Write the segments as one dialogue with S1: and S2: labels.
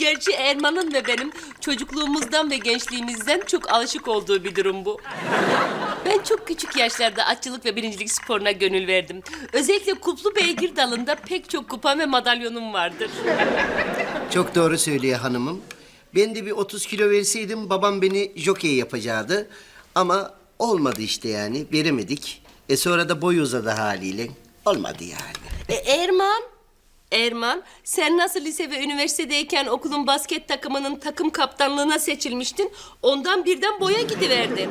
S1: Gerçi Erman'ın ve benim çocukluğumuzdan ve gençliğimizden çok alışık olduğu bir durum bu. Ben çok küçük yaşlarda atçılık ve birincilik sporuna gönül verdim. Özellikle kuplu beygir dalında pek çok kupam ve madalyonum vardır.
S2: Çok doğru söylüyor hanımım. Ben de bir 30 kilo verseydim babam beni jokey yapacaktı. Ama olmadı işte yani, veremedik. Sonra da boy uzadı haliyle. Olmadı yani.
S1: Erman, sen nasıl lise ve üniversitedeyken okulun basket takımının takım kaptanlığına seçilmiştin? Ondan birden boya gidiverdin.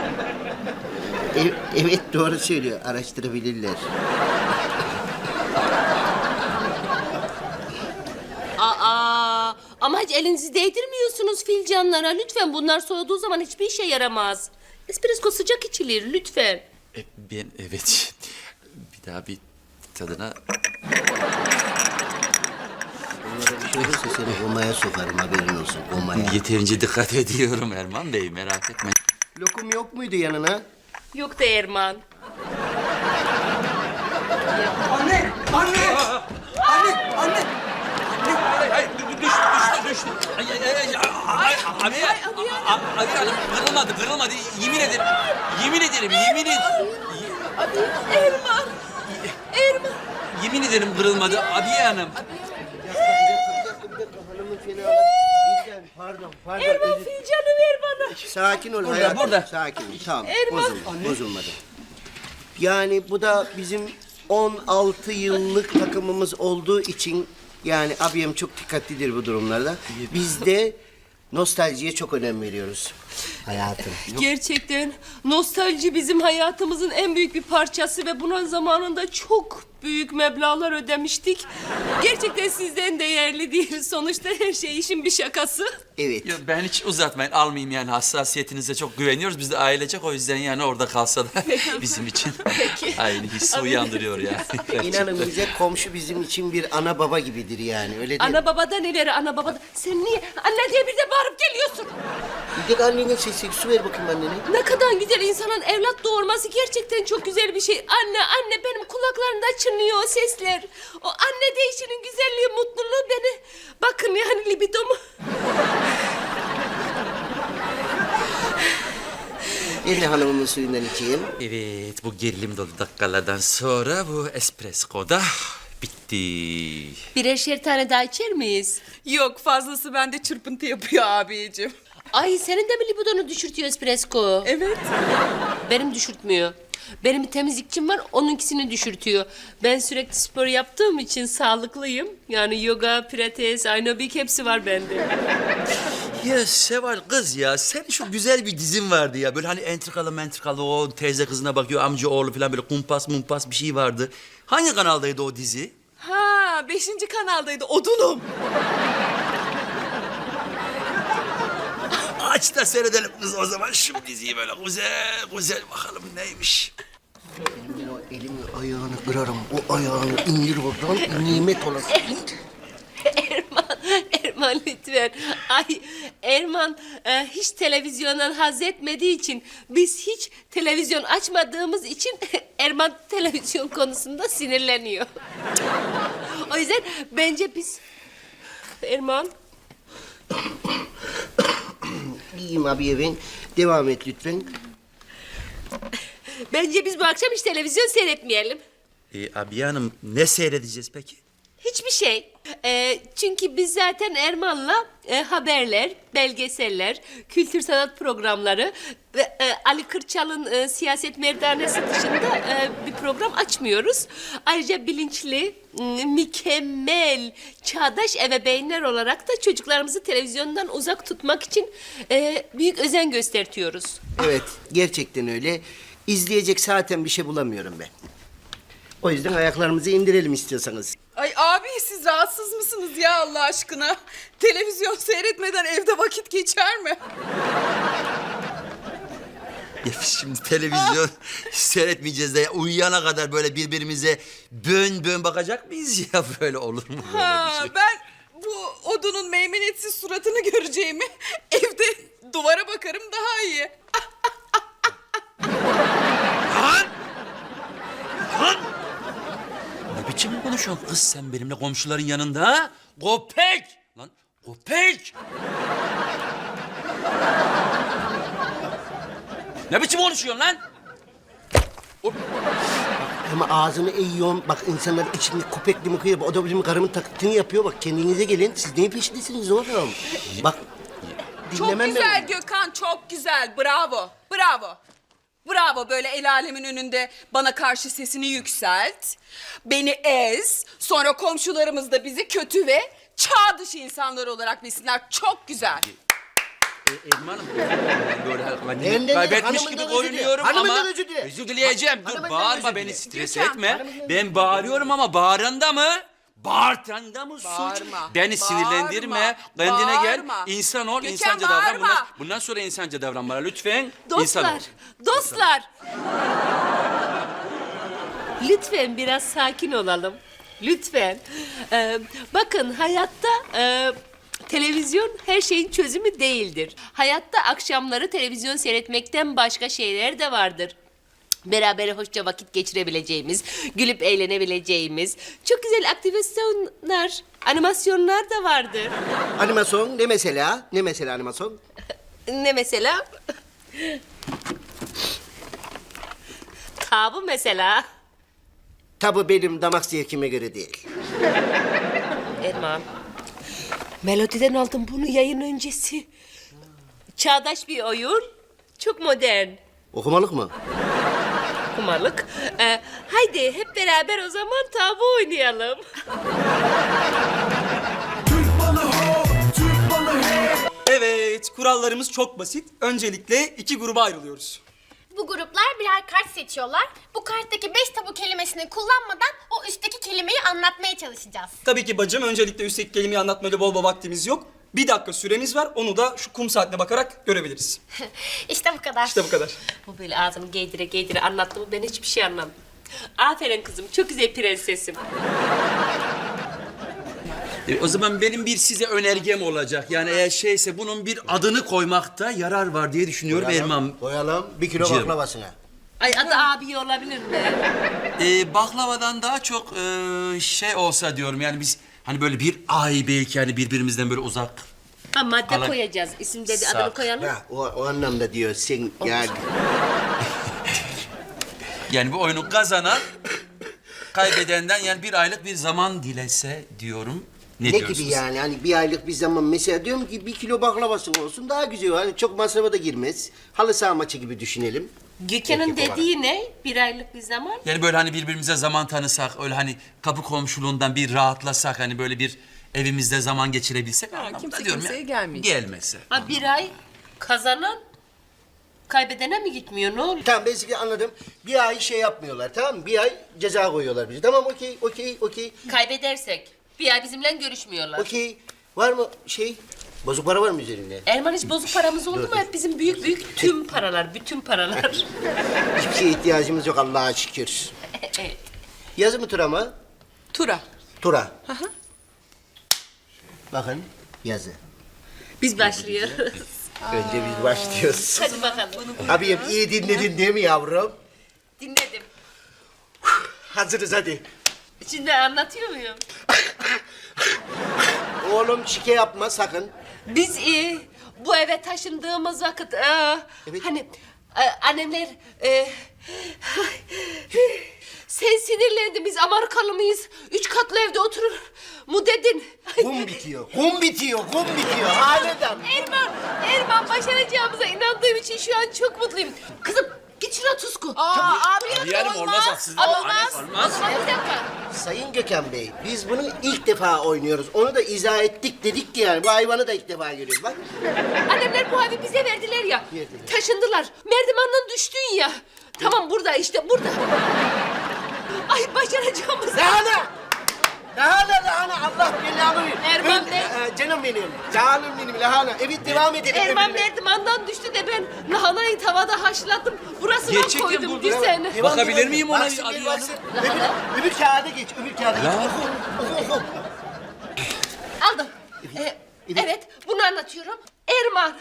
S2: Evet doğru söylüyor, araştırabilirler.
S1: Ama hiç elinizi değdirmiyorsunuz filcanlara. Lütfen bunlar soğuduğu zaman hiçbir işe yaramaz. Espresso sıcak içilir lütfen.
S3: Ben evet. Bir daha bir tadına...
S2: Onlara bir şey olursa seni komaya sokarım, haberin olsun, komaya.
S3: Yeterince dikkat ediyorum Erman Bey, merak etme.
S2: Lokum yok muydu yanına?
S1: Yok da Erman.
S4: Anne! Anne! Anne! Anne!
S3: Hayır, düştü. Abi hanım kırılmadı. Yemin ederim.
S1: Erman.
S3: Yemin ederim kırılmadı Abiye Hanım.
S2: Bir dakika, hanımın fenalığı. Birden, pardon.
S1: Erman filcanı ver bana.
S2: Sakin ol hayatım.
S3: burada.
S2: Sakin ol. Tamam. Bozulmadı. Yani bu da bizim 16 yıllık takımımız olduğu için yani abim çok dikkatlidir bu durumlarda. Biz de nostaljiye çok önem veriyoruz. Hayatım.
S1: Gerçekten nostalji bizim hayatımızın en büyük bir parçası ve buna zamanında çok büyük meblağlar ödemiştik. Gerçekten sizden değerli değil. Sonuçta her şey işin bir şakası.
S2: Evet.
S3: Yok, ben hiç uzatmayın, almayayım yani, hassasiyetinize çok güveniyoruz. Biz de ailecek, o yüzden yani orada kalsa da bizim için aynı hissi uyandırıyor yani.
S2: İnanın bize komşu bizim için bir ana baba gibidir yani, öyle değil mi?
S1: Ana babadan ileri ana babadan. Sen niye anne diye bir de bağırıp geliyorsun?
S2: Bir de annene sesi, su ver bakayım annene.
S1: Ne kadar güzel, insanın evlat doğurması gerçekten çok güzel bir şey. Anne benim kulaklarımda çınlıyor o sesler. O anne deyişinin güzelliği, mutluluğu beni... Bakın yani libidomu...
S2: Ben de hanımımın suyundan içeyim.
S3: Evet, bu gerilim dolu dakikalardan sonra bu espresso da bitti.
S1: Birer tane daha içer miyiz?
S4: Yok, fazlası bende çırpıntı yapıyor abicim.
S1: Ay senin de mi libidonu düşürtüyor espresso?
S4: Evet.
S1: Benim düşürtmüyor. Benim bir temizlikçim var, onunkisini düşürtüyor. Ben sürekli spor yaptığım için sağlıklıyım. Yani yoga, pilates, aerobik hepsi var bende.
S3: Ya Seval kız ya, senin şu güzel bir dizin vardı ya. Böyle hani entrikalı o teyze kızına bakıyor, amca oğlu falan, böyle kumpas bir şey vardı. Hangi kanaldaydı o dizi?
S4: Ha, 5. kanaldaydı. Odunum.
S3: Aç da seyredelim kız o zaman şu diziyi, böyle güzel bakalım neymiş.
S2: Ben o elimi ayağını kırarım. O ayağını indir buradan, nimet olasın.
S1: Erman lütfen. Ay Erman hiç televizyondan haz etmediği için, biz hiç televizyon açmadığımız için Erman televizyon konusunda sinirleniyor. O yüzden bence biz... Erman...
S2: İyiyim abiye ben. Devam et lütfen.
S1: Bence biz bu akşam hiç televizyon seyretmeyelim.
S3: Abiye Hanım, ne seyredeceğiz peki?
S1: Hiçbir şey. Çünkü biz zaten Erman'la haberler, belgeseller, kültür sanat programları ve Ali Kırçal'ın siyaset merdanesi dışında bir program açmıyoruz. Ayrıca bilinçli, mükemmel, çağdaş ebeveynler olarak da çocuklarımızı televizyondan uzak tutmak için büyük özen göstertiyoruz.
S2: Evet, gerçekten öyle. İzleyecek zaten bir şey bulamıyorum ben. O yüzden ayaklarımızı indirelim istiyorsanız.
S4: Ay abi, siz rahatsız mısınız ya Allah aşkına? Televizyon seyretmeden evde vakit geçer mi?
S3: Ya biz şimdi televizyon seyretmeyeceğiz de ya, uyuyana kadar böyle birbirimize bön bakacak mıyız ya? Böyle olur mu böyle
S4: Ha,
S3: bir şey?
S4: ben bu odunun meymenetsiz suratını göreceğimi evde duvara bakarım daha iyi.
S3: Ne biçim konuşuyorsun kız sen benimle komşuların yanında ha? Köpek! Lan Köpek! Ne biçim konuşuyorsun lan?
S2: Ama ağzını eğiyorsun. Bak insanlar içinde köpekli müküyor. O da bizim karımın taklitini yapıyor. Bak kendinize gelin. Siz neyin peşindesiniz oğlum? Bak
S4: Çok
S2: dinlemem
S4: güzel
S2: ben.
S4: Gökhan, çok güzel. Bravo, bravo. Bravo, böyle el alemin önünde bana karşı sesini yükselt. Beni ez. Sonra komşularımız da bizi kötü ve çağ dışı insanlar olarak bilsinler. Çok güzel.
S3: Erman'ım böyle
S2: Benden
S3: kaybetmiş
S2: hanımından
S3: gibi
S2: özür dile.
S3: görünüyorum
S2: Hanımından
S3: ama
S2: özür dile.
S3: özür dileyeceğim. Dur
S2: Hanımından
S3: bağırma
S2: özür
S3: beni
S2: dile.
S3: stres
S4: Gökhan,
S3: etme.
S2: hanımından
S3: Ben bağırıyorum ama bağıranda mı? Bağırtanda mı suç?
S4: Bağırma,
S3: Beni sinirlendirme.
S4: bağırma,
S3: Kendine gel.
S4: bağırma.
S3: İnsan ol,
S4: Gökhan,
S3: insanca davran.
S4: bağırma.
S3: Bundan sonra insanca davran bana lütfen. İnsan ol.
S1: Dostlar. Lütfen biraz sakin olalım. Lütfen. Bakın hayatta televizyon her şeyin çözümü değildir. Hayatta akşamları televizyon seyretmekten başka şeyler de vardır. Beraber hoşça vakit geçirebileceğimiz, gülüp eğlenebileceğimiz çok güzel aktivasyonlar, animasyonlar da vardır.
S2: Animasyon ne mesela? Ne mesela animasyon?
S1: Ne mesela? Tabu mesela.
S2: Tabii benim damak zevkime göre değil.
S1: Erman. Melodi'den aldım bunu yayın öncesi. Çağdaş bir oyun. Çok modern.
S2: Okumalık mı?
S1: Kumarlık. Haydi hep beraber o zaman tabu oynayalım.
S5: Evet, kurallarımız çok basit. Öncelikle iki gruba ayrılıyoruz.
S6: Bu gruplar birer kart seçiyorlar. Bu karttaki 5 tabu kelimesini kullanmadan o üstteki kelimeyi anlatmaya çalışacağız.
S5: Tabii ki bacım, öncelikle üstteki kelimeyi anlatmayla bol bol vaktimiz yok. 1 dakika süremiz var, onu da şu kum saatine bakarak görebiliriz.
S6: İşte bu kadar.
S5: İşte bu kadar.
S1: Bu böyle ağzını geydire geydire anlattı mı ben hiçbir şey anlamadım. Aferin kızım çok güzel prensesim.
S3: O zaman benim bir size önergem olacak. Yani eğer şeyse bunun bir adını koymakta yarar var diye düşünüyorum Erman.
S2: Koyalım 1 kilo
S3: Cem.
S2: baklavasına.
S1: Ay adı abi olabilir mi?
S3: Baklavadan daha çok şey olsa diyorum yani biz hani böyle bir ay belki hani birbirimizden böyle uzak.
S1: Ha madde
S3: Ala-
S1: koyacağız. İsim dedi
S3: Sak.
S1: adını koyalım.
S2: Ha, o anlamda diyor sen yani.
S3: Yani bu oyunu kazanan kaybedenden yani bir aylık bir zaman dilese diyorum. Ne
S2: Ne
S3: diyorsunuz?
S2: gibi yani? Hani bir aylık bir zaman mesela diyorum ki 1 kilo baklavası olsun daha güzel. Hani çok masrafa da girmez. Halı saha maçı gibi düşünelim.
S1: Gökhan'ın
S2: Ekip olarak.
S1: dediği ne? Bir aylık bir zaman.
S3: Yani böyle hani birbirimize zaman tanısak, öyle hani kapı komşuluğundan bir rahatlasak, hani böyle bir evimizde zaman geçirebilsek. anlamında
S4: kimse
S3: diyorum
S4: kimseye
S3: ya.
S4: gelmeyecek.
S3: Gelmese.
S1: Ha bir ay kazanan kaybedene mi gitmiyor ne oluyor?
S2: Tamam ben sizi anladım. Bir ay şey yapmıyorlar tamam mı? Bir ay ceza koyuyorlar bize. Tamam okey.
S1: Kaybedersek bir ay bizimle görüşmüyorlar.
S2: Okey. Var mı şey? Bozuk para var mı üzerinde?
S1: Erman hiç bozuk paramız oldu mu? Hep bizim büyük tüm paralar, bütün paralar.
S2: Hiçbir şeye ihtiyacımız yok Allah'a şükür.
S1: Evet.
S2: Yazı mı tura mı?
S4: Tura.
S2: Tura. Bakın yazı.
S1: Biz başlıyoruz.
S2: Önce biz başlıyoruz.
S1: Hadi bakalım.
S2: Abiyim iyi dinledin değil mi yavrum?
S1: Dinledim.
S2: Hazırız hadi.
S1: Şimdi anlatıyor muyum?
S2: Oğlum şike yapma sakın.
S1: Biz bu eve taşındığımız vakit
S2: Evet.
S1: hani annemler sen sinirlendin biz Amerikalı mıyız? 3 katlı evde oturur mu dedin?
S2: Kum bitiyor. Haleden.
S1: Erman başaracağımıza inandığım için şu an çok mutluyum. Kızım git şuna tuzku.
S4: Abi
S3: Yani olmaz haksızlık.
S1: Olmaz.
S3: Olmaz.
S1: O zaman bir dakika.
S2: Sayın Gökhan Bey, biz bunu ilk defa oynuyoruz. Onu da izah ettik dedik ki yani. Bu hayvanı da ilk defa görüyoruz bak.
S1: Annemler bu evi bize verdiler ya.
S2: Verdiler.
S1: Taşındılar. Merdivenden düştün ya. Tamam burada işte burada. Ay başaracağımız.
S2: Lahana! Lahana Allah belanı verir.
S1: Erman Bey.
S2: Canım benim. Canım benim lahana. Evet devam edelim.
S1: Erman
S2: öbürüne.
S1: merdivenden düştü de ben lahanayı tavada haşladım. Burasına
S3: Gerçekten
S1: koydum
S3: burada.
S1: düzene.
S2: Devam,
S3: Bakabilir
S2: devam.
S3: miyim ona?
S2: Baksın,
S3: Hadi
S2: bir
S3: ya.
S2: baksın. Öbür kağıda geç, öbür kağıda geç. Oku.
S1: Aldım. Evet bunu anlatıyorum. Erman.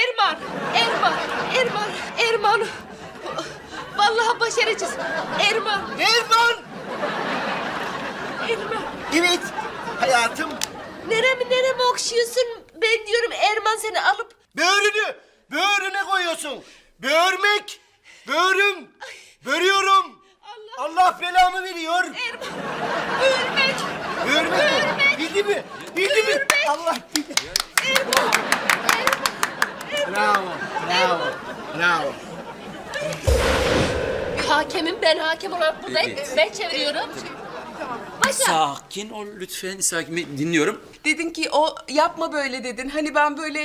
S1: Vallahi başaracağız. Erman.
S2: Evet hayatım.
S1: Neremi okşuyorsun? Ben diyorum Erman seni alıp...
S2: Böğrüne koyuyorsun. Böğürmek, böğrüm, börüyorum. Allah belamı veriyor.
S1: Böğürmek.
S2: Böğürmek. Bildi mi? Bildi mi? Allah bildi. Bravo.
S1: Hakemim, ben hakem olarak buradayım.
S3: Evet.
S1: Ben çeviriyorum. Başla.
S3: Sakin ol lütfen. Sakin. Dinliyorum.
S4: Dedin ki o yapma böyle dedin. Hani ben böyle...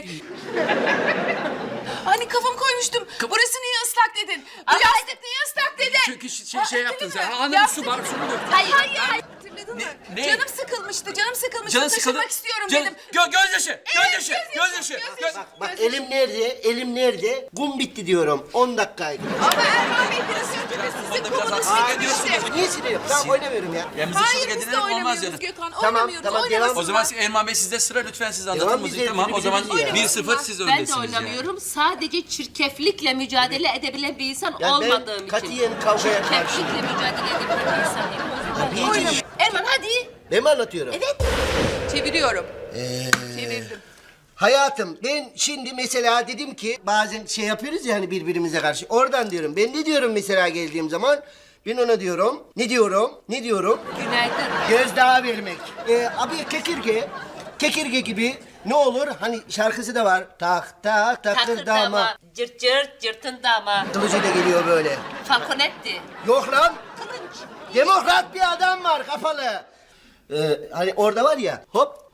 S4: Hani kafam koymuştum. Burası niye ıslak dedin? Bu yastık niye ıslak dedin?
S3: Çünkü şey yaptın sen. Anladın
S4: Yastık-
S3: su var, su mu?
S1: Hayır.
S4: Hatırladın mı?
S3: Ne?
S4: Canım sıkılmıştı.
S3: Canın sıkıldı.
S4: Taşımak istiyorum
S3: Canın-
S4: dedim.
S3: Gözyaşı.
S2: Bak elim nerede? Kum bitti diyorum. 10 dakikaydı.
S4: Ama Erman Bey biraz önce de sizin komunuz bitmişti.
S2: Niye siliyorum? Tamam oynamıyorum ya.
S3: Ya müzik
S4: Hayır biz de
S3: edinelim olmaz
S4: oynamıyoruz
S3: yani.
S4: Gökhan.
S2: Tamam,
S4: Oynamıyoruz.
S2: tamam,
S4: oynamasınlar.
S2: devam.
S3: O zaman Erman Bey sizde sıra lütfen siz anlatın
S2: Devam
S3: müziği.
S2: bize,
S3: Tamam o zaman
S2: birbirimizi ya.
S3: 1-0 siz
S1: Ben de
S3: öndesiniz yani.
S1: oynamıyorum. Sadece çirkeflikle mücadele edebilen bir insan
S2: Ya ben
S1: olmadığım için.
S2: katiyen kavgaya karşıyım.
S1: Çirkeflikle mücadele edebilen bir insan değilim.
S2: Oynama.
S1: Erman hadi.
S2: Ben mi anlatıyorum?
S1: Evet.
S4: Çeviriyorum. Çevirdim.
S2: Hayatım ben şimdi mesela dedim ki bazen şey yapıyoruz ya hani birbirimize karşı. Oradan diyorum. Ben ne diyorum mesela geldiğim zaman? Ben ona diyorum. Ne diyorum?
S1: Günaydın.
S2: Gözdağı vermek. Abi kekirge gibi ne olur? Hani şarkısı da var. Tak tak takır dama.
S1: Takırdama. Cırt cırt cırtın dama.
S2: Kılıcıyla geliyor böyle.
S1: Falconetti.
S2: Yok lan.
S1: Kılınç.
S2: Demokrat bir adam var kafalı. Hani orada var ya hop.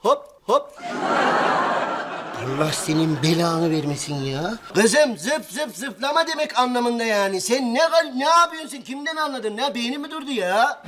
S2: Allah senin belanı vermesin ya. Kızım zıplama demek anlamında yani. Sen ne yapıyorsun? Kimden anladın? Ne beyni mi durdu ya?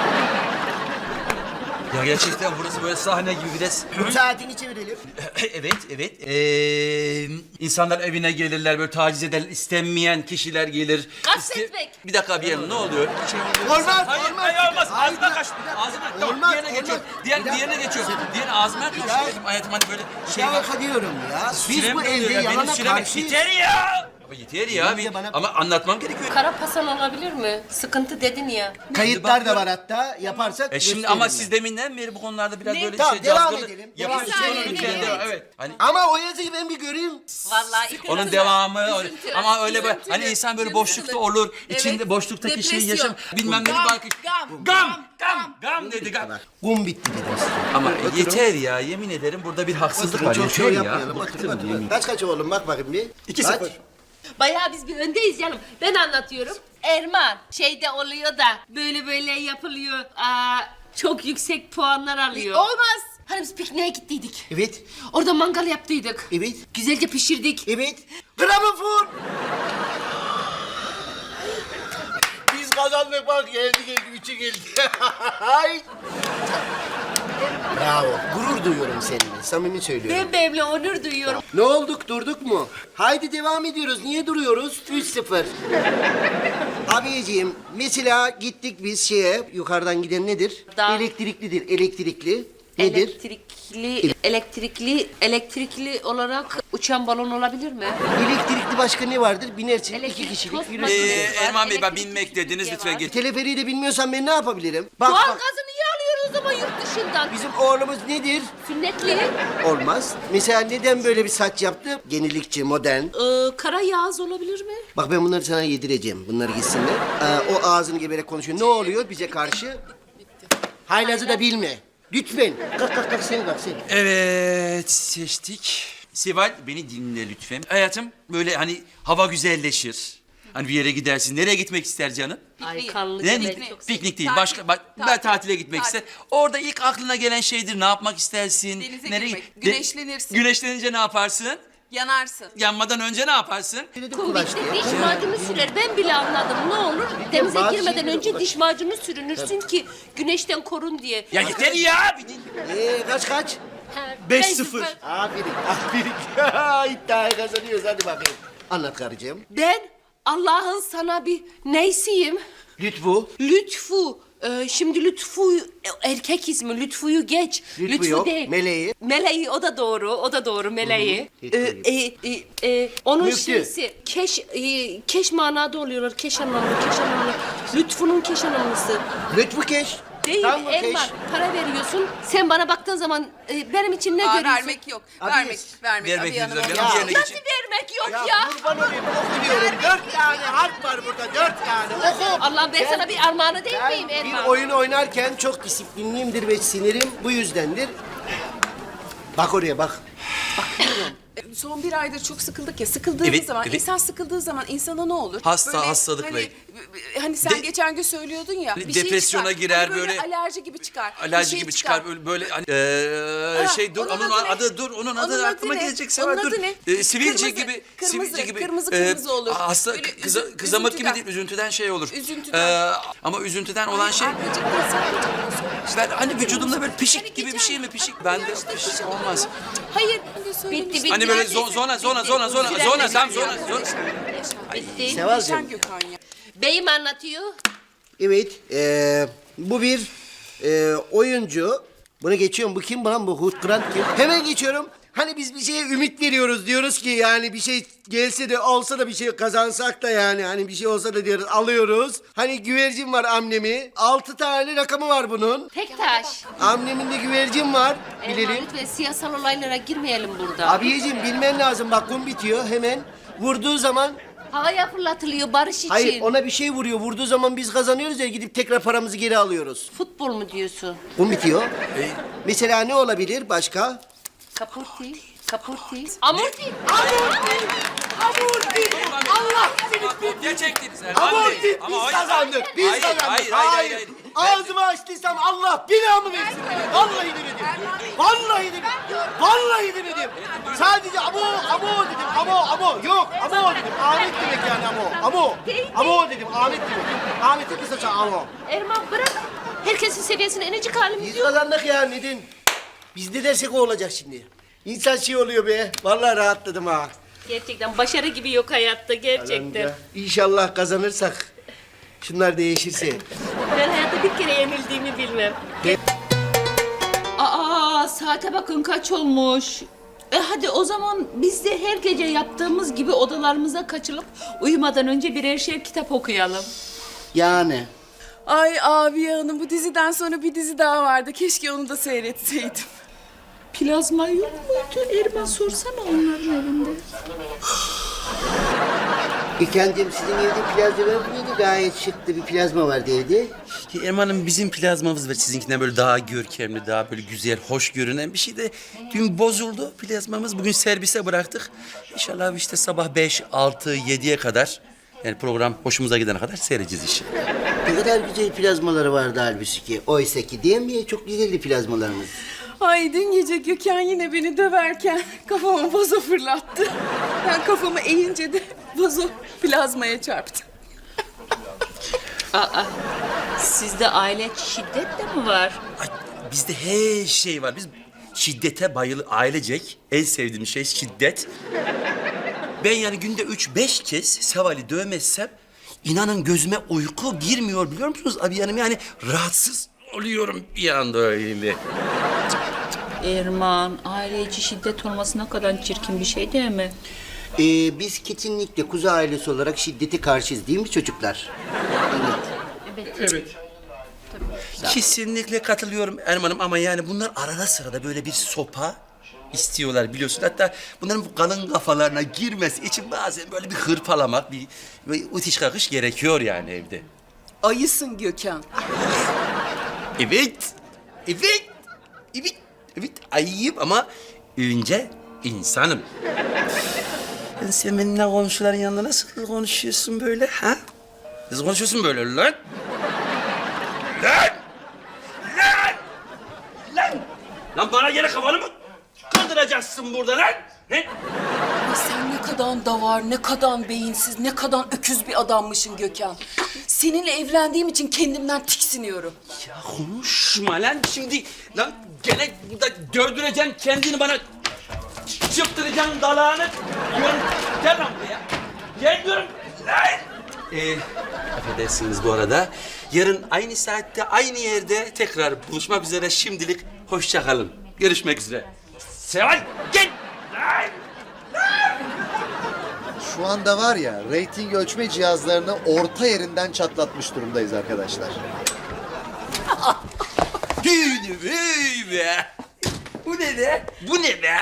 S3: Ya gerçekten burası böyle sahne gibi biraz.
S2: Saatini çevirelim.
S3: Evet. İnsanlar evine gelirler böyle taciz eden istenmeyen kişiler gelir.
S1: Gasletmek.
S3: Bir dakika bir yanım ne oluyor? Bir şey oluyor.
S2: Olmaz,
S3: Hayır,
S2: olmaz.
S3: hayır olmaz.
S2: Hayır,
S3: Ağzına
S2: ya.
S3: kaç. Ağzına. Tamam,
S2: Olmaz,
S3: diğerine geçiyor.
S2: olmaz.
S3: Diğerine geçiyor. Diğer ağzına kaç. Hayatım hani böyle şey var.
S2: Şaka diyorum ya. Biz
S3: Sürem
S2: bu
S3: doluyor
S2: evde
S3: ya, benim
S2: yalana
S3: sürem-
S2: karşıyız.
S3: Yeter ya. Ama yeter ya.
S2: Benim de bana-
S3: Ama anlatmam gerekiyor.
S1: Kara pasan olabilir mi? Sıkıntı dedin ya.
S2: Kayıtlar da var hatta. Yaparsak
S3: Şimdi
S2: gösteririm
S3: ama
S2: ben.
S3: siz deminden beri bu konularda biraz böyle
S2: Tamam,
S3: şey
S2: devam
S3: cazgırlı
S2: edelim.
S3: yapıyorsunuz.
S4: Devam
S3: Onu
S4: edelim.
S3: lütfen
S4: Evet.
S3: devam. Evet. Hani
S2: Ama o yazıyı ben bir göreyim.
S1: Vallahi.
S3: onun devamı
S4: Üzüntü,
S3: ama öyle böyle
S4: üzüntülü,
S3: hani insan böyle
S4: canı
S3: boşlukta
S4: sıkılır.
S3: olur.
S4: Evet.
S3: İçinde boşluktaki şeyi
S4: Depresyon.
S3: yaşam. Bilmem ne
S4: Gam,
S3: bak. Gam dedi gam.
S2: Kum bitti dedim size.
S3: Ama yeter ya yemin ederim burada bir haksızlık var.
S2: Çok şey
S3: Yeter ya.
S2: yapmayalım.
S3: Bıktım
S2: Otur.
S3: yemin.
S2: Kaç oğlum bak bakayım bir.
S5: 2-0.
S2: Kaç?
S1: Bayağı biz bir öndeyiz canım. Ben anlatıyorum. Erman şeyde oluyor da böyle yapılıyor. Çok yüksek puanlar alıyor.
S4: Olmaz.
S1: Hani biz pikniğe gittiydik.
S2: Evet.
S1: Orada mangal yaptıydık.
S2: Evet.
S1: Güzelce pişirdik.
S2: Evet. Gramofon. Biz kazandık bak geldi 3'e geldi. Ay. Bravo. Gurur duyuyorum seninle. Samimi söylüyorum.
S1: Ben benimle onur duyuyorum.
S2: Ne olduk durduk mu? Haydi devam ediyoruz. Niye duruyoruz? 3-0. Abiciğim mesela gittik biz şeye yukarıdan giden nedir?
S1: Dağ.
S2: Elektriklidir. Elektrikli. Nedir?
S1: Elektrikli olarak uçan balon olabilir mi?
S2: Elektrikli başka ne vardır? Binersin
S1: Elektrik
S2: iki kişilik
S1: tost
S2: yürürsün.
S1: makinesi var,
S3: Erman Bey ben
S1: elektrik
S3: binmek dediniz
S1: süpürge
S3: lütfen
S1: var.
S3: git.
S2: Teleferiği de bilmiyorsan ben ne yapabilirim? Bak
S1: Doğal
S2: bak.
S1: gazı niye alıyoruz o zaman yurt dışından?
S2: Bizim oğlumuz nedir?
S1: Sünnetli.
S2: Olmaz. Mesela neden böyle bir saç yaptı? Yenilikçi, modern.
S1: Kara yağız olabilir mi?
S2: Bak ben bunları sana yedireceğim. Bunları gitsinler. O ağzını geberek konuşuyor. Ne oluyor bize karşı? Haylazı da bilme. Lütfen. Kalk sen kalk sen.
S3: Evet seçtik. Seval beni dinle lütfen. Hayatım böyle hani hava güzelleşir. Hani bir yere gidersin. Nereye gitmek ister canım?
S1: Ay kanlı
S3: Ne?
S1: cebeli çok
S3: Piknik değil.
S4: Tatil.
S3: Başka ben
S4: Tatil.
S3: tatile gitmek
S4: Tatil.
S3: ister. Orada ilk aklına gelen şeydir. Ne yapmak istersin?
S4: Denize
S3: Nereye
S4: girmek.
S3: De-
S4: Güneşlenirsin.
S3: Güneşlenince ne yaparsın?
S4: Yanarsın.
S3: Yanmadan önce ne yaparsın?
S2: Dedim kulaç
S1: Komikte
S2: diye.
S1: diş macunu sürer. Ben bile anladım. Ne olur denize
S2: bazı
S1: girmeden
S2: şeyleri
S1: önce
S2: uğraş.
S1: diş macunu sürünürsün ki güneşten korun diye.
S3: Ya yeter ya.
S2: Kaç?
S1: Ha,
S5: 5-0.
S2: Aferin. İddiayı kazanıyoruz. Hadi bakayım. Anlat karıcığım.
S1: Ben Allah'ın sana bir neysiyim?
S2: Lütfu.
S1: Lütfu. Şimdi Lütfu erkek ismi. Lütfu'yu geç.
S2: Lütfu yok,
S1: değil.
S2: Meleği.
S1: Meleği o da doğru. O da doğru Meleği. Onun
S2: Müftü.
S1: şeysi keş manada oluyorlar. Keş anlamlı. Lütfu'nun keş anlamlısı.
S2: Lütfu Keş.
S1: Değil
S2: Tamam mı
S1: Erman.
S2: Keş?
S1: Para veriyorsun. Sen bana baktığın zaman benim için ne
S4: Aa,
S1: görüyorsun?
S4: vermek yok.
S2: Abi,
S4: Vermek
S3: vermek
S4: Abiye
S3: yüzünden
S4: Hanım.
S3: bir yana yerine
S1: Nasıl
S3: geçin.
S1: vermek yok
S2: Ya,
S1: ya?
S2: kurban olayım okumuyorum. 4 tane harf var burada 4 tane. Oku.
S1: Allah ben sana bir armağanı değil
S2: Ben
S1: miyim Erman?
S2: bir oyun oynarken çok disiplinliyimdir ve sinirim bu yüzdendir. Bak oraya bak.
S4: Son bir aydır çok sıkıldık ya. Sıkıldığımız
S3: Evet,
S4: zaman,
S3: evet.
S4: insan sıkıldığı zaman insana ne olur?
S3: Hastalık
S4: hani,
S3: ve-
S4: hani sen
S3: De-
S4: geçen gün söylüyordun ya.
S3: Hani
S4: bir şey
S3: depresyona
S4: çıkar.
S3: girer,
S4: Hani
S3: böyle-
S4: alerji gibi çıkar. bir
S3: Alerji
S4: şey
S3: gibi çıkar böyle hani şey dur onun
S4: ne?
S3: adı dur onun adı aklıma
S4: ne?
S3: gelecek
S4: Onun
S3: Seval dur.
S4: adı ne?
S3: Sivilce
S4: Kırmızı,
S3: gibi
S4: kırmızı,
S3: sivilce gibi.
S4: kırmızı olur.
S3: Hasta
S4: Böyle
S3: kızamık gibi
S4: üzüntüden.
S3: değil üzüntüden şey olur.
S4: Üzüntüden.
S3: Ama üzüntüden olan şey
S4: Arkacık değil, sen de canını
S3: ben hani vücudumda böyle pişik
S4: Hani
S3: gibi bir
S4: geçen-
S3: şey mi pişik?
S4: Ay,
S3: Bende
S4: yaşta
S3: pişik
S4: olur
S3: olmaz.
S4: mu? Hayır.
S1: Bitti.
S3: Hani böyle
S1: Neredeyse
S3: zona
S1: bitti.
S2: Sevalcığım.
S4: Yaşan Gökhan ya.
S1: Beyim anlatıyor.
S2: Evet, bu bir oyuncu. Bunu geçiyorum. Bu kim lan? Bu Hugh Grant kim? Hemen geçiyorum. Hani biz bir şeye ümit veriyoruz. Diyoruz ki yani bir şey gelse de olsa da bir şey kazansak da yani. Hani bir şey olsa da diyoruz alıyoruz. Hani güvercin var amnemi. 6 tane rakamı var bunun.
S1: Tek taş.
S2: Amneminde güvercin var.
S1: Erman
S2: Bilelim.
S1: lütfen siyasal olaylara girmeyelim burada.
S2: Abiyeciğim bilmen lazım. Bak kum bitiyor hemen. Vurduğu zaman
S1: Havaya fırlatılıyor barış için.
S2: hayır ona bir şey vuruyor. Vurduğu zaman biz kazanıyoruz ya gidip tekrar paramızı geri alıyoruz.
S1: Futbol mu diyorsun?
S2: Kum bitiyor. Mesela ne olabilir başka?
S1: Kapurti. Kapurti. Amorti.
S3: Gerçektiniz
S2: Amorti biz kazandık. Biz
S3: Hayır,
S2: kazandık.
S3: hayır.
S2: Ağzımı açtıysam Allah binamı versin. Vallahi demedim. Vallahi demedim. Vallahi demedim. Sadece amo dedim. Amo. Yok amo dedim. Ahmet demek yani amo. Amo dedim. Ahmet demek. Ahmet'in kısaca amo.
S1: Erman bırak. Herkesin seviyesine inecek halimiz
S2: Biz
S1: yok.
S2: kazandık ya neden? Biz ne dersek o olacak şimdi. İnsan şey oluyor be. Vallahi rahatladım ha.
S1: Gerçekten başarı gibi yok hayatta gerçekten.
S2: İnşallah kazanırsak şunlar değişirse.
S1: Ben hayatta bir kere yenildiğimi bilmem. Aa saate bakın kaç olmuş. Hadi o zaman biz de her gece yaptığımız gibi odalarımıza kaçılıp uyumadan önce birer şer kitap okuyalım.
S2: Yani.
S4: Ay Abiye Hanım bu diziden sonra bir dizi daha vardı. Keşke onu da seyretseydim.
S1: Plazma yok muydu? Erman sorsana onların evinde.
S2: İlkan'cığım sizin evde plazma var mıydı? Gayet şıktı bir plazma vardı evde.
S3: Erman'ım bizim plazmamız var sizinkinden böyle daha görkemli, daha böyle güzel, hoş görünen bir şey de dün bozuldu plazmamız. Bugün servise bıraktık. İnşallah işte sabah 5, 6, 7'ye kadar yani program hoşumuza gidene kadar seyredeceğiz işi.
S2: Ne kadar güzel plazmaları vardı halbuki ki. Oysa ki değil mi? Çok güzeldi plazmalarımız.
S4: Ay dün gece Gökhan yine beni döverken kafama vazo fırlattı. Ben kafamı eğince de vazo plazmaya çarptı.
S1: Aa, sizde aile şiddet de mi var?
S3: Ay, bizde her şey var. Biz şiddete ailecek en sevdiğim şey şiddet. Ben yani günde 3-5 kez Seval'i dövmezsem inanın gözüme uyku girmiyor biliyor musunuz abi hanım? Yani rahatsız oluyorum bir anda öyle.
S1: Erman, aile içi şiddet olması ne kadar çirkin bir şey değil mi?
S2: Biz kesinlikle kuzu ailesi olarak şiddete karşıyız değil mi çocuklar?
S3: Kesinlikle katılıyorum Erman'ım ama yani bunlar arada sırada böyle bir sopa istiyorlar biliyorsun. Hatta bunların bu kalın kafalarına girmesi için bazen böyle bir hırpalamak, bir itiş kakış gerekiyor yani evde.
S4: Ayısın Gökhan.
S3: Evet, ayıyım ama önce insanım. Sen benimle komşuların yanında nasıl konuşuyorsun böyle ha? Nasıl konuşuyorsun böyle lan? Lan bana gene kafanı mı kaldıracaksın burada lan? Ne?
S4: Ay sen ne kadar davar, ne kadar beyinsiz, ne kadar öküz bir adammışsın Gökhan. Seninle evlendiğim için kendimden tiksiniyorum.
S3: Ya konuşma lan şimdi. Lan gene burada dövdüreceksin kendini bana. Çıptıracaksın dalağını. Diyorum, gel lan buraya. Gel diyorum. Lan! Affedersiniz bu arada. Yarın aynı saatte, aynı yerde tekrar buluşmak üzere. Şimdilik hoşça kalın. Görüşmek üzere. Seval gel. Lan!
S7: Şu anda var ya, reyting ölçme cihazlarını orta yerinden çatlatmış durumdayız arkadaşlar.
S3: Hey be. Bu ne be? Bu ne be?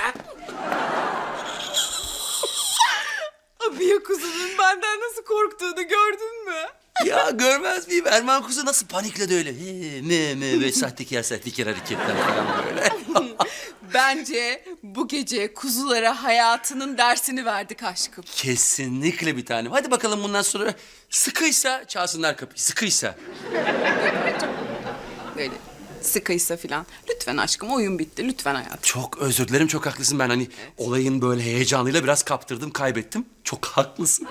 S4: Abiye kuzunun benden nasıl korktuğunu gördün mü?
S3: Ya görmez miyim? Erman kuzu nasıl panikledi öyle. Ve sahtekar hareketler falan böyle.
S4: Bence bu gece kuzulara hayatının dersini verdik aşkım.
S3: Kesinlikle bir tanem. Hadi bakalım bundan sonra sıkıysa çalsınlar kapıyı. Sıkıysa.
S4: Böyle sıkıysa filan. Lütfen aşkım oyun bitti. Lütfen hayatım.
S3: Çok özür dilerim, çok haklısın. Ben hani olayın böyle heyecanıyla biraz kaptırdım, kaybettim. Çok haklısın.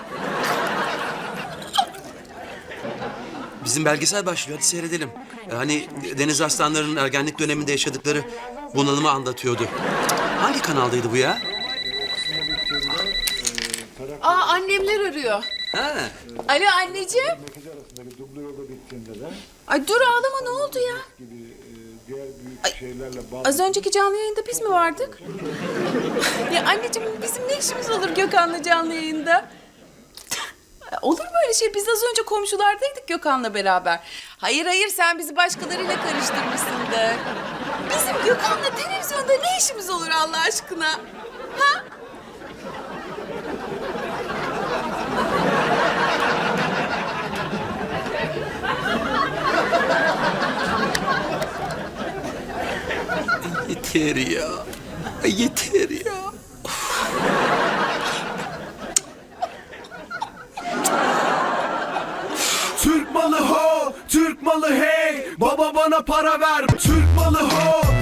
S3: Bizim belgesel başlıyor, hadi seyredelim. Hani Deniz Arslanları'nın ergenlik döneminde yaşadıkları bunalımı anlatıyordu. Hangi kanaldaydı bu ya?
S4: Aa annemler arıyor.
S3: Ha.
S4: Alo anneciğim. Ay dur ağlama ne oldu ya? Ay, az önceki canlı yayında biz mi vardık? Ya anneciğim bizim ne işimiz olur Gökhan'la canlı yayında? Olur mu öyle şey? Biz az önce komşulardaydık Gökhan'la beraber. Hayır sen bizi başkalarıyla karıştırmışsındır. Bizim Gökhan'la televizyonda ne işimiz olur Allah aşkına? Ha?
S3: Yeter ya. Yeter ya.
S8: Türk malı ho, Türk malı hey. Baba bana para ver. Türk malı ho,